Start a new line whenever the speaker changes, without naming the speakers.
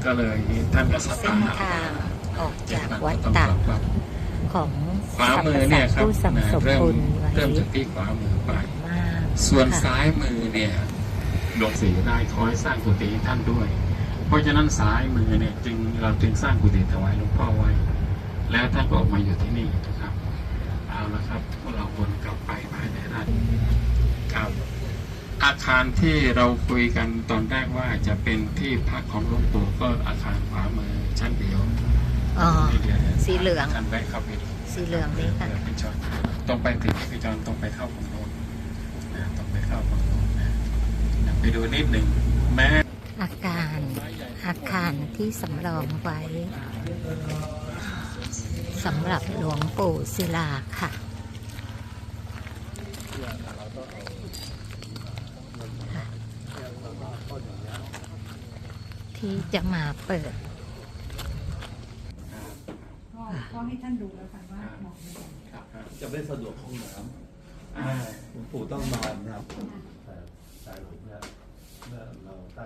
ก็เลยท่านก็ส
เส้
ถาน น
ทางออกจากวัด
ต้อง
ตาก
ปรับ
ของ
ขวามือเนี่ยครับ
ผู้สัมสม
เริ่ม
คุณไว้
เริ่มจากที่ขวามือไป
มาก
ส่วน
ค่ะ
ซ้ายมือเนี่ยหลวงศรีได้คอยสร้างกุฏิให้ท่านด้วย เพราะฉะนั้นซ้ายมือเนี่ยเราจึงสร้างกุฏิถวายหลวงพ่อไว้ แล้วท่านก็ออกมาอยู่ที่นี่นะครับเอาละครับพวกเราวนกลับไปภายในด้านครับ อาคารที่เราคุยกันตอนแรกว่าจะเป็นที่พักของหลวงปู่ก็อาคารขวามือชั้นเดียว
อ๋อ
นี่เดียว
สีเหลือง
ท่านแวะเข้าไปดู
สีเหลืองนี่ค่ะ
พี่จอนตรงไปถึงพี่จอนตรงไปเข้าฝั่งโน้นนะตรงไปเข้าฝั่งโน้นนะไปดูนิดหนึ่งแม้
อาคารที่สำรองไว้สำหรับหลวงปู่ศิลาค่ะ ที่จะมาเปิด
ก็ให้ท่านดูแล้วกันว่าเหมาะไหม
จะไม่สะดวกห้องน้ำหลวงปู่ต้องนอนนะครับแต่หลวงเนี่ยเมื่อเรา